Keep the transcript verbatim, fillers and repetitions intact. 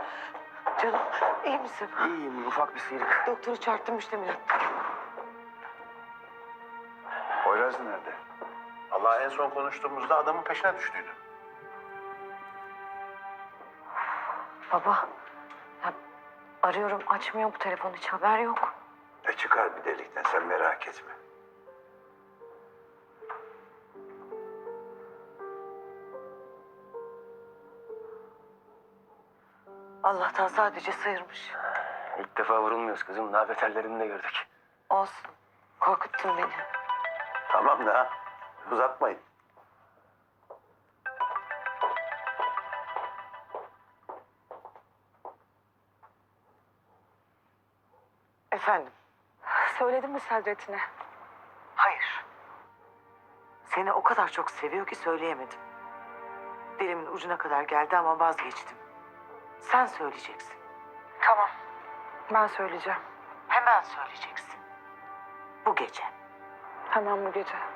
Canım iyi misin? İyiyim, ufak bir sıyrık. Doktoru çağırttım müştemilat. Poyraz nerede? Allah en son konuştuğumuzda adamın peşine düştüydü. Baba, ya arıyorum açmıyor bu telefon, hiç haber yok. E çıkar bir delikten, sen merak etme. Allah'tan sadece sıyırmış. İlk defa vurulmuyoruz kızım. Daha beterlerini de gördük. Olsun. Korkuttun beni. Tamam da uzatmayın. Efendim? Söyledin mi Sadrettin'e? Hayır. Seni o kadar çok seviyor ki söyleyemedim. Dilimin ucuna kadar geldi ama vazgeçtim. Sen söyleyeceksin. Tamam. Ben söyleyeceğim. Hemen söyleyeceksin. Bu gece. Tamam bu gece.